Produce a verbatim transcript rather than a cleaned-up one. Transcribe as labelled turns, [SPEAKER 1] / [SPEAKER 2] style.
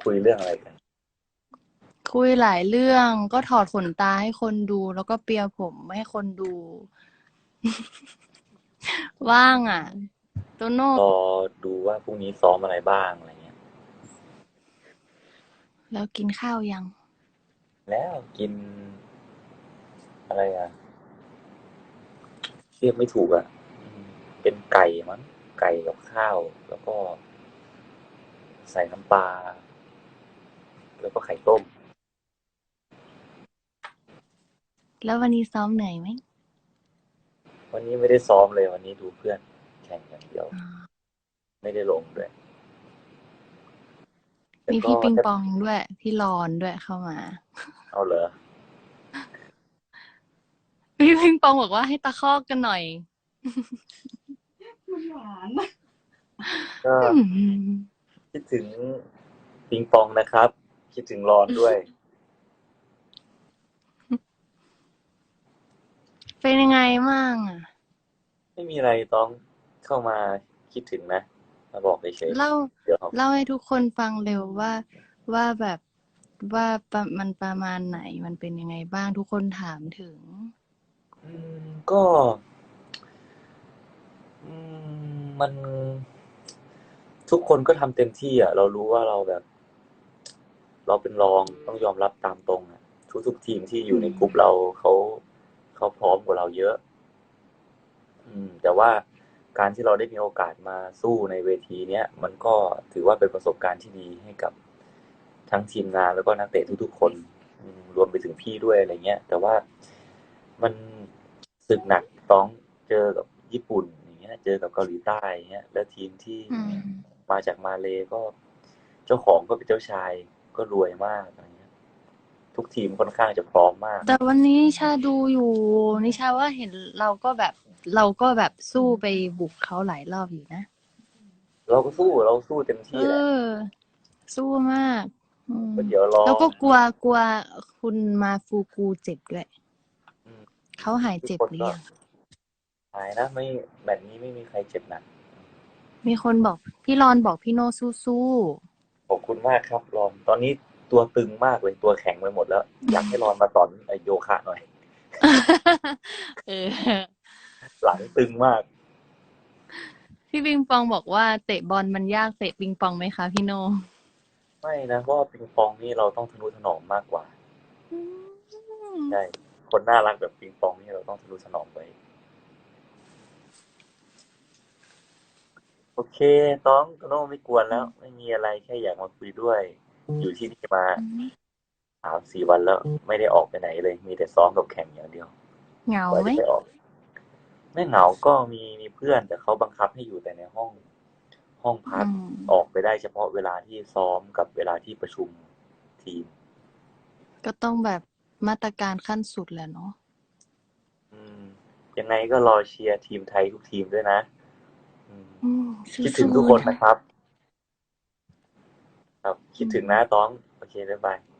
[SPEAKER 1] คุยเรื่องอะไรกัน
[SPEAKER 2] คุยหลายเรื่องก็ถอดขนตาให้คนดูแล้วก็เปียร์ผมให้คนดูว่างอ่ะโตโน่
[SPEAKER 1] รอดูว่าพรุ่งนี้ซ้อมอะไรบ้างอะไรเงี้ย
[SPEAKER 2] แล้วกินข้าวยัง
[SPEAKER 1] แล้วกินอะไรอ่ะเรียกไม่ถูกอ่ะอืมเป็นไก่มั้งไก่กับข้าวแล้วก็ใส่น้ำปลาแล้วก็ไข่ต้ม
[SPEAKER 2] แล้ววันนี้ซ้อมเหนื่อยไหม
[SPEAKER 1] วันนี้ไม่ได้ซ้อมเลยวันนี้ดูเพื่อนแข่งอย่างเดียวไม่ได้ลงด้วยแต่
[SPEAKER 2] มี
[SPEAKER 1] ก็
[SPEAKER 2] พี่ปิง
[SPEAKER 1] ถ้า
[SPEAKER 2] ปองด้วยพี่รอนด้วยเข้ามา
[SPEAKER 1] เอาเหรอ
[SPEAKER 2] พี่ปิงปองบอกว่าให้ตะคอกกันหน่อย
[SPEAKER 3] มันหวาน
[SPEAKER 1] ก็
[SPEAKER 2] อืม
[SPEAKER 1] คิดถึงปิงปองนะครับคิดถึงรอนด้วย
[SPEAKER 2] เป็นยังไงมั่งอ่ะ
[SPEAKER 1] ไม่มีอะไรต้องเข้ามาคิดถึงนะมาบอกเฉย
[SPEAKER 2] เล่า
[SPEAKER 1] ๆเดี๋ยว
[SPEAKER 2] เล่าให้ทุกคนฟังเร็วว่าว่าแบบว่าประมันประมาณไหนมันเป็นยังไงบ้างทุกคนถามถึง
[SPEAKER 1] อืมก็อืมมันทุกคนก็ทำเต็มที่อ่ะเรารู้ว่าเราแบบเราเป็นรองต้องยอมรับตามตรงอ่ะทุกๆทีมที่อ
[SPEAKER 2] อื
[SPEAKER 1] ยู่ในกลุ่ม
[SPEAKER 2] ม
[SPEAKER 1] เราเขาเขาพร้อมกว่าเราเยอะอืมแต่ว่าการที่เราได้มีโอกาสมาสู้ในเวทีเนี้ยมันก็ถือว่าเป็นประสบการณ์ที่ดีให้กับทั้งทีมงานแล้วก็นักเตะทุกๆคนอืมรวมไปถึงพี่ด้วยอะไรเงี้ยแต่ว่ามันศึกหนักต้องเจอกับญี่ปุ่นอย่างเงี้ยเจอกับเกาหลีใต้อย่างเงี้ยแล้วทีมที่
[SPEAKER 2] อืม
[SPEAKER 1] มาจากมาเลย์ก็เจ้าของก็เป็นเจ้าชายก็รวยมากอะไรเงี้ยทุกทีมค่อนข้างจะพร้อมมาก
[SPEAKER 2] แต่วันนี้นิชาดูอยู่นิชาว่าเห็นเราก็แบบเราก็แบบสู้ไปบุกเขาหลายรอบอยู่นะ
[SPEAKER 1] เราก็สู้เราสู้เต็ม
[SPEAKER 2] เ
[SPEAKER 1] ที่แหละ
[SPEAKER 2] ออสู้มากอืม
[SPEAKER 1] ก็เดี๋ยวรอ
[SPEAKER 2] แล้วก็กลัวกลัวคุณมาฟูกูเจ็บด้วย
[SPEAKER 1] อืม
[SPEAKER 2] เขาหาย
[SPEAKER 1] ทุกคนก็
[SPEAKER 2] เจ็บหรือยัง
[SPEAKER 1] หายนะไม่แบบนี้ไม่มีใครเจ็บหนัก
[SPEAKER 2] มีคนบอกพี่รอนบอกพี่โนสู้
[SPEAKER 1] ขอบคุณมากครับรอนตอนนี้ตัวตึงมากเลยตัวแข็งไปหมดแล้วอยากให้รอนมาสอนไอโยคะหน่อย
[SPEAKER 2] ๆเออ
[SPEAKER 1] หลังตึงมาก
[SPEAKER 2] พี่ปิงปองบอกว่าเตะบอลมันยากเตะปิงปองไหมคะพี่โน
[SPEAKER 1] ไม่นะเพราะว่าปิงปองนี่เราต้องทะนุถนอมมากกว่า
[SPEAKER 2] อืม
[SPEAKER 1] ใช่คนน่ารักแบบปิงปองนี่เราต้องทะนุถนอมไปโอเคต้องโตโน่ไม่กวนแล้วไม่มีอะไรแค่อยากมาคุยด้วยอยู่ที่นี่มาสามสี่วันแล้วไม่ได้ออกไปไหนเลยมีแต่ซ้อมกับแข่งอย่างเดียวกว่า
[SPEAKER 2] เหงาไหม
[SPEAKER 1] จะไปออกไม่เหงาก็มีมีเพื่อนแต่เขาบังคับให้อยู่แต่ในห้องห้องพัก
[SPEAKER 2] อืม
[SPEAKER 1] ออกไปได้เฉพาะเวลาที่ซ้อมกับเวลาที่ประชุมทีม
[SPEAKER 2] ก็ต้องแบบมาตรการขั้นสุดแหละเนาะ
[SPEAKER 1] อืมยังไงก็รอเชียร์ทีมไทยทุกทีมด้วยนะอืม
[SPEAKER 2] อืม
[SPEAKER 1] คิดถึง
[SPEAKER 2] สู้
[SPEAKER 1] ทุกคน
[SPEAKER 2] ๆนะ
[SPEAKER 1] นะครับครับคิ
[SPEAKER 2] อื
[SPEAKER 1] ดถึงนะ
[SPEAKER 2] ม
[SPEAKER 1] ต้องโอเคบ๊ายบาย